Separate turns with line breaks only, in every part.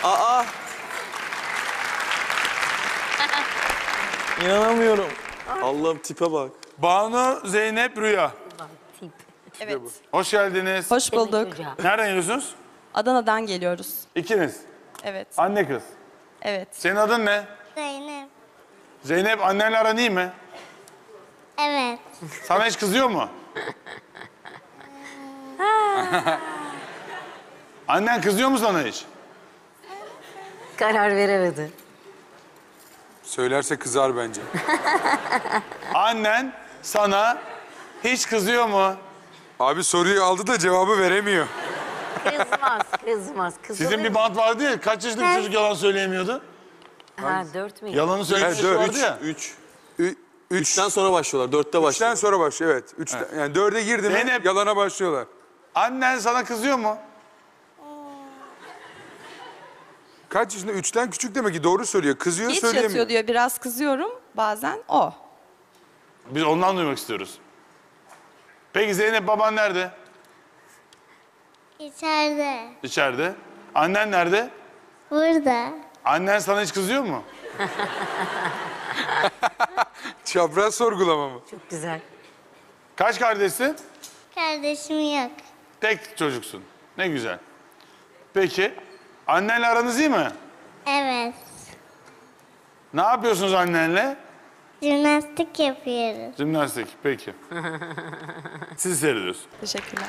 Aa! İnanamıyorum. Allah'ım tipe bak.
Banu, Zeynep, Rüya.
Evet.
Hoş geldiniz.
Hoş bulduk.
Nereden geliyorsunuz?
Adana'dan geliyoruz.
İkiniz.
Evet.
Anne kız.
Evet.
Senin adın ne?
Zeynep.
Zeynep, annenle aran iyi mi?
Evet.
Sana hiç kızıyor mu? Annen kızıyor mu sana hiç?
Karar veremedi.
Söylerse kızar bence.
Annen sana hiç kızıyor mu?
Abi soruyu aldı da cevabı veremiyor.
Kızmaz.
Sizin bir bant vardı ya, kaç yaşında bir çocuk yalan söyleyemiyordu?
Ha 4 mü?
Yalanı söyleyen çocuk vardı ya.
3.
Üçten
3'ten sonra başlıyorlar. 4'te başlıyorlar.
sonra başlıyor, evet. Üçten, yani 4'e girdi mi
Zeynep.
yalana başlıyorlar.
Annen sana kızıyor mu?
Kaç yaşında? 3'ten küçük demek ki, doğru söylüyor. Kızıyor,
Geç
söyleyemiyor.
yatıyor diyor. Biraz kızıyorum. Bazen o.
Biz ondan duymak istiyoruz. Peki Zeynep, baban nerede?
İçeride.
İçeride. Annen nerede?
Burada.
Annen sana hiç kızıyor mu?
Çapraz sorgulama mı?
Çok güzel.
Kaç kardeşsin?
Kardeşim yok.
Tek çocuksun. Ne güzel. Peki, annenle aranız iyi mi?
Evet.
Ne yapıyorsunuz annenle?
Jimnastik yapıyoruz.
Jimnastik, peki. Sizi seyrediyoruz.
Teşekkürler.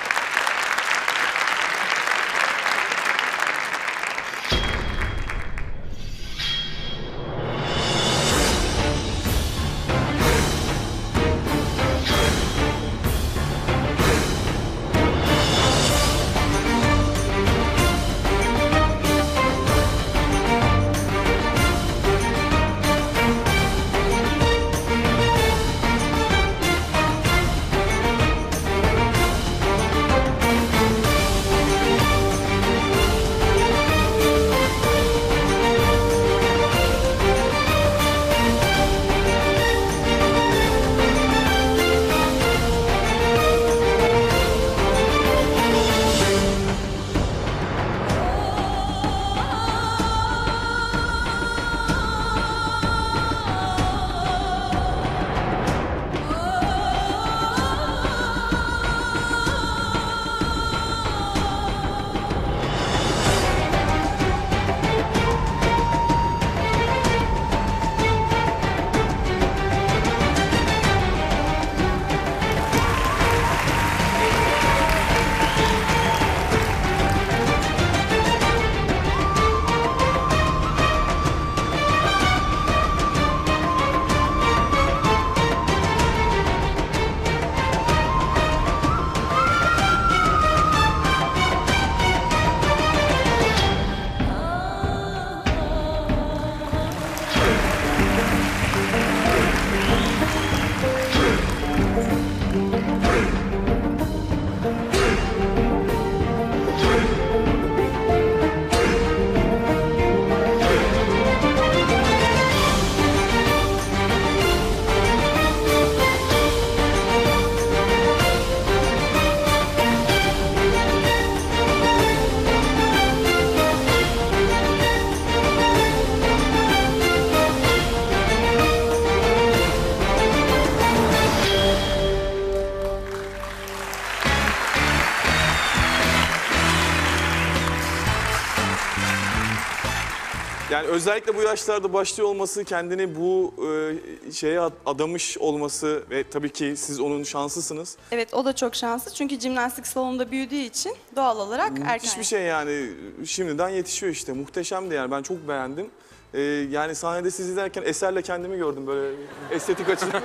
Yani özellikle bu yaşlarda başlıyor olması, kendini bu şeye adamış olması ve tabii ki siz onun şanslısınız.
Evet, o da çok şanslı. Çünkü jimnastik salonunda büyüdüğü için doğal olarak erken.
Müthiş bir şey yani. Şimdiden yetişiyor işte. Muhteşemdi yani. Ben çok beğendim. Yani sahnede siz izlerken Eser'le kendimi gördüm böyle estetik açıdan.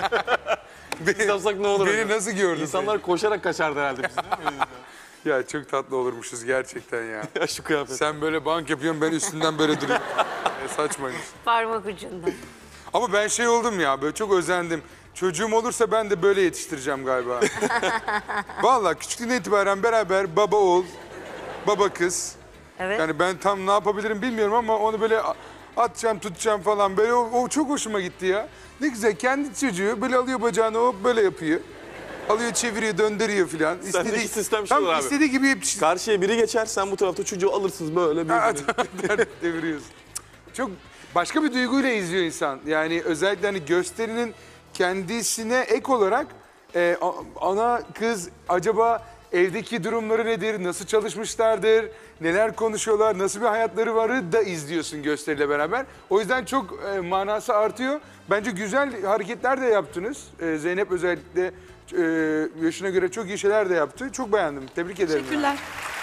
Biz yapsak ne olur?
Beni nasıl gördün?
İnsanlar koşarak kaçardı herhalde biz, değil mi?
Ya çok tatlı olurmuşuz gerçekten ya.
Ya şu kıyafet.
Sen böyle bank yapıyorsun, ben üstünden böyle duruyorum. Saçmaymış.
Parmak ucunda.
Ama ben şey oldum ya, böyle çok özendim. Çocuğum olursa ben de böyle yetiştireceğim galiba. Vallahi küçüklüğünden itibaren beraber baba oğul, baba kız.
Evet.
Yani ben tam ne yapabilirim bilmiyorum ama onu böyle atacağım, tutacağım falan. Böyle o çok hoşuma gitti ya. Ne güzel, kendi çocuğu böyle alıyor bacağını, hop böyle yapıyor. Alıyor, çeviriyor, döndürüyor filan.
Sendeki sistem şu
tam
abi.
istediği gibi yetiştir.
Karşıya biri geçer, sen bu tarafta çocuğu alırsınız böyle.
Deviriyorsun. Çok başka bir duyguyla izliyor insan. Yani özellikle hani gösterinin kendisine ek olarak ana kız acaba evdeki durumları nedir, nasıl çalışmışlardır, neler konuşuyorlar, nasıl bir hayatları varı da izliyorsun gösteriyle beraber. O yüzden çok manası artıyor. Bence güzel hareketler de yaptınız. Zeynep özellikle yaşına göre çok iyi şeyler de yaptı. Çok beğendim. Tebrik ederim.
Teşekkürler.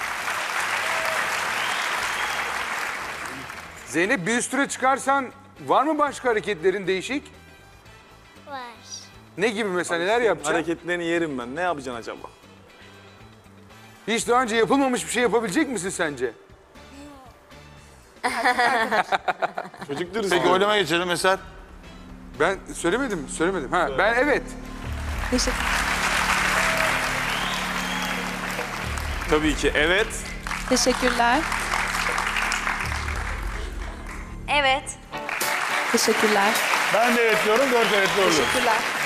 Zeynep, bir üst tura çıkarsan var mı başka hareketlerin değişik?
Var.
Ne gibi mesela, neler yapacaksın?
Hareketlerini yerim ben. Ne yapacaksın acaba?
Hiç daha önce yapılmamış bir şey yapabilecek misin sence?
Çocuk dürüst.
Peki oylama geçelim Eser.
Ben söylemedim. Ha, ben evet.
Teşekkür.
Tabii ki evet.
Teşekkürler.
Evet.
Teşekkürler.
Ben de evet diyorum, 4 evet doğru.
Teşekkürler.